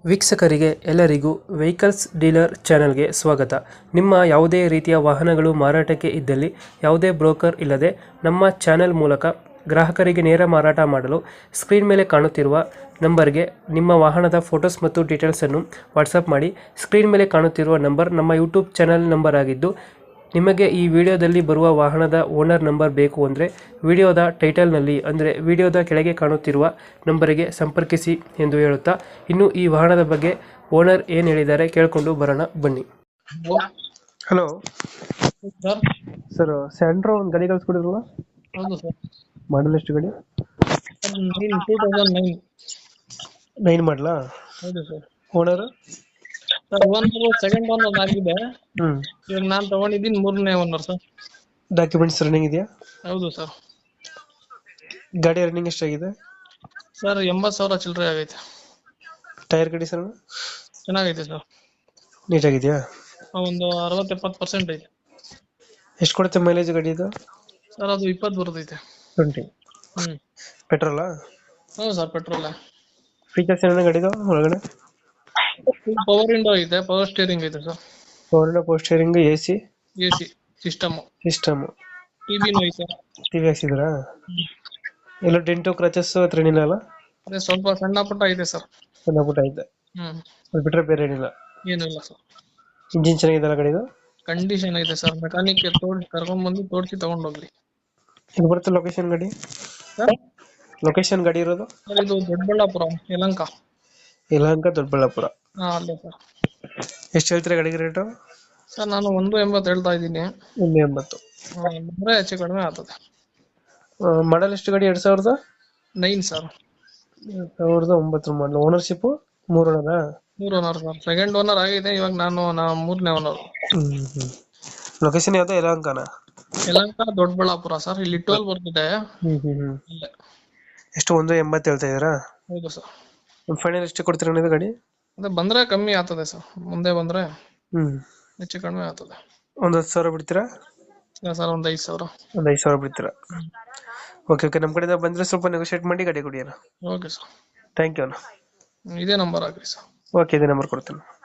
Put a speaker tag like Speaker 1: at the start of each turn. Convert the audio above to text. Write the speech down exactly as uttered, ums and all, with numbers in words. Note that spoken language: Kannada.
Speaker 1: ವೀಕ್ಷಕರಿಗೆ ಎಲ್ಲರಿಗೂ ವೆಹಿಕಲ್ಸ್ ಡೀಲರ್ ಚಾನೆಲ್ಗೆ ಸ್ವಾಗತ. ನಿಮ್ಮ ಯಾವುದೇ ರೀತಿಯ ವಾಹನಗಳು ಮಾರಾಟಕ್ಕೆ ಇದ್ದಲ್ಲಿ ಯಾವುದೇ ಬ್ರೋಕರ್ ಇಲ್ಲದೆ ನಮ್ಮ ಚಾನೆಲ್ ಮೂಲಕ ಗ್ರಾಹಕರಿಗೆ ನೇರ ಮಾರಾಟ ಮಾಡಲು ಸ್ಕ್ರೀನ್ ಮೇಲೆ ಕಾಣುತ್ತಿರುವ ನಂಬರ್ಗೆ ನಿಮ್ಮ ವಾಹನದ ಫೋಟೋಸ್ ಮತ್ತು ಡೀಟೇಲ್ಸನ್ನು ವಾಟ್ಸಪ್ ಮಾಡಿ. ಸ್ಕ್ರೀನ್ ಮೇಲೆ ಕಾಣುತ್ತಿರುವ ನಂಬರ್ ನಮ್ಮ ಯೂಟ್ಯೂಬ್ ಚಾನೆಲ್ ನಂಬರ್ ಆಗಿದ್ದು, ನಿಮಗೆ ಈ ವಿಡಿಯೋದಲ್ಲಿ ಬರುವ ವಾಹನದ ಓನರ್ ನಂಬರ್ ಬೇಕು ಅಂದರೆ ವಿಡಿಯೋದ ಟೈಟಲ್ನಲ್ಲಿ ಅಂದರೆ ವಿಡಿಯೋದ ಕೆಳಗೆ ಕಾಣುತ್ತಿರುವ ನಂಬರಿಗೆ ಸಂಪರ್ಕಿಸಿ ಎಂದು ಹೇಳುತ್ತಾ, ಇನ್ನು ಈ ವಾಹನದ ಬಗ್ಗೆ ಓನರ್ ಏನು ಹೇಳಿದ್ದಾರೆ ಕೇಳಿಕೊಂಡು ಬರೋಣ ಬನ್ನಿ. Hello
Speaker 2: sir.
Speaker 1: ಸರ್, ಸ್ಯಾಂಡ್ರೋ ಒಂದು ಗಾಡಿ ಕಳಿಸ್ಕೊಡಿದ್ರಲ್ಲ,
Speaker 2: ಹೌದು ಸರ್.
Speaker 1: ಮಾಡಲ್ ಎಷ್ಟು ಗಾಡಿ?
Speaker 2: Nine two thousand nine.
Speaker 1: Nine ಮಾಡಲಾ?
Speaker 2: ಹೌದು ಸರ್.
Speaker 1: ಓನರ್?
Speaker 2: ಸರ್ ಒಂದು ಸೆಕೆಂಡ್ ಓನರ್ ಆಗಿದೆ.
Speaker 1: ಹ್ಞೂ.
Speaker 2: ಇವಾಗ ನಾನು ತಗೊಂಡಿದ್ದೀನಿ ಮೂರನೇ ಓನರ್ ಸರ್.
Speaker 1: ಡಾಕ್ಯುಮೆಂಟ್ಸ್ ರನ್ನಿಂಗ್ ಇದೆಯಾ?
Speaker 2: ಹೌದು ಸರ್.
Speaker 1: ಗಾಡಿ ರನ್ನಿಂಗ್ ಎಷ್ಟಾಗಿದೆ?
Speaker 2: ಸರ್ ಎಂಬತ್ತು ಸಾವಿರ ಚಿಲ್ಲರೆ ಆಗೈತೆ.
Speaker 1: ಟೈರ್ ಕಂಡೀಷನ್
Speaker 2: ಚೆನ್ನಾಗೈತೆ ಸರ್.
Speaker 1: ನೀಟಾಗಿದೆಯಾ?
Speaker 2: ಒಂದು ಅರವತ್ತು ಎಪ್ಪತ್ತು ಪರ್ಸೆಂಟ್ ಐತೆ.
Speaker 1: ಎಷ್ಟು ಕೊಡುತ್ತೆ ಮೈಲೇಜ್ ಗಾಡಿ ಇದು?
Speaker 2: ಸರ್ ಅದು ಇಪ್ಪತ್ತು ಬರ್ತೈತೆ.
Speaker 1: ಟ್ವೆಂಟಿ.
Speaker 2: ಹ್ಮ್.
Speaker 1: ಪೆಟ್ರೋಲಾ?
Speaker 2: ಹೌದು ಸರ್, ಪೆಟ್ರೋಲ್.
Speaker 1: ಫೀಚರ್ಸ್ ಏನೇನು ಗಾಡಿದು ಒಳಗಡೆ?
Speaker 2: ಪವರ್ ವಿಂಡೋ ಐತೆ, ಪವರ್ ಸ್ಟೇರಿಂಗ್ ಐತೆ sir.
Speaker 1: Power power steering, A C,
Speaker 2: A C system,
Speaker 1: system,
Speaker 2: ಟಿವಿನೂ ಐತೆ.
Speaker 1: ಟಿವಿ ಹಾಕ್ಸಿದ್ರಾ? ಎಲ್ಲ ಡೆಂಟು ಕ್ರಚಸ್ ಹತ್ರ ಏನಿಲ್ಲ ಅಲ್ಲ?
Speaker 2: ಅದೇ ಸ್ವಲ್ಪ ಸಣ್ಣ ಪುಟ್ಟ ಐತೆ ಸರ್.
Speaker 1: ಸಣ್ಣ ಪುಟ್ಟ ಐತೆ,
Speaker 2: ಹ್ಮ್.
Speaker 1: ಅದು ಬಿಟ್ರೆ ಬೇರೆ ಏನಿಲ್ಲ.
Speaker 2: ಏನೂ ಇಲ್ಲ ಸರ್.
Speaker 1: ಇಂಜಿನ್ ಚೆನ್ನಾಗಿದೆಲ್ಲ ಗಾಡಿದು?
Speaker 2: ಕಂಡೀಷನ್ ಐತೆ ಸರ್. ಮೆಕ್ಯಾನಿಕ್ ತೋಡ್ ಕರ್ಕೊಂಡ್ ಬಂದು ತೋಡ್ಸಿ ತಗೊಂಡೋಗ್ಲಿ.
Speaker 1: ಇದು ಬರುತ್ತೆ ಲೊಕೇಶನ್ ಗಾಡಿ?
Speaker 2: ಸರ್
Speaker 1: ಲೊಕೇಶನ್ ಗಾಡಿ ಇರೋದು?
Speaker 2: ಸರ್ ಇದು ದೊಡ್ಡಬಳ್ಳಾಪುರ, ಯಲಹಂಕ.
Speaker 1: ಯಲಹಂಕ ದೊಡ್ಡಬಳ್ಳಾಪುರ.
Speaker 2: ಹಾ, ಅಲ್ಲೇ ಸರ್.
Speaker 1: ಎಷ್ಟು ಹೇಳ್ತೀರಾ ಗಾಡಿಗೆ ರೇಟು?
Speaker 2: ಸರ್ ನಾನು ಒಂದು ಎಂಬತ್ತು ಹೇಳ್ತಾ ಇದ್ದೀನಿ.
Speaker 1: ಒಂದು ಎಂಬತ್ತು
Speaker 2: ಬಂದ್ರೆ ಹೆಚ್ಚು ಕಡಿಮೆ ಆಗ್ತದೆ.
Speaker 1: ಮಾಡಲ್ ಎಷ್ಟು ಗಾಡಿ? ಎರಡ್ ಸಾವಿರದ
Speaker 2: ನೈನ್ ಸರ್.
Speaker 1: ಎರಡ್ ಸಾವಿರದ ಒಂಬತ್ತರ ಮಾಡಲ್. ಓನರ್ಶಿಪ್ ಮೂರು ಓನರ?
Speaker 2: ಮೂರು ಓನರ್ ಸರ್. ಸೆಕೆಂಡ್ ಓನರ್ ಆಗಿದೆ, ಇವಾಗ ನಾನು ನಾ ಮೂರನೇ ಓನರ್.
Speaker 1: ಹ್ಮ್ ಹ್ಮ್. ಲೊಕೇಶನ್ ಯಾವ್ದು? ಯಲಹಂಕನ?
Speaker 2: ಯಲಹಂಕ ದೊಡ್ಡಬಳ್ಳಾಪುರ ಸರ್. ಇಲ್ಲಿ ಟೋಲ್ ಬರ್ತಿದೆ.
Speaker 1: ಹ್ಮ್ ಹ್ಮ್ ಹ್ಮ್.
Speaker 2: ಅಲ್ಲೇ.
Speaker 1: ಎಷ್ಟು ಒಂದು ಎಂಬತ್ತು ಹೇಳ್ತಾ ಇದೀರಾ?
Speaker 2: ಹೌದು ಸರ್.
Speaker 1: ಫೈನಲ್ ಎಷ್ಟು ಕೊಡ್ತೀರಾ ನೀವು ಗಾಡಿ?
Speaker 2: ಅದೇ ಬಂದ್ರೆ ಕಮ್ಮಿ ಆಗ್ತದೆ ಸರ್. ಮುಂದೆ ಬಂದ್ರೆ
Speaker 1: ಹ್ಮ್
Speaker 2: ಹೆಚ್ಚು ಕಡಿಮೆ ಆಗ್ತದೆ.
Speaker 1: ಒಂದ್ ಹತ್ತು ಸಾವಿರ ಬಿಡ್ತೀರಾ?
Speaker 2: ಇಲ್ಲ ಸರ್, ಒಂದ್ ಐದು ಸಾವಿರ.
Speaker 1: ಒಂದ್ ಐದು ಸಾವಿರ ಬಿಡ್ತೀರಾ? Okay okay. ನಮ್ಮ ಕಡೆಯಿಂದ ಬಂದ್ರೆ ಸ್ವಲ್ಪ ನೆಗೋಶಿಯೇಟ್ ಮಾಡಿ ಗಾಡಿ ಕೊಡಿ ಅಣ್ಣ.
Speaker 2: Okay sir.
Speaker 1: ಥ್ಯಾಂಕ್ ಯು ಅಣ್ಣ.
Speaker 2: ಇದೇ ನಂಬರ್ ಹಾಕ್ರಿ ಸರ್.
Speaker 1: ಓಕೆ, ಇದೇ ನಂಬರ್ ಕೊಡ್ತೀನಿ.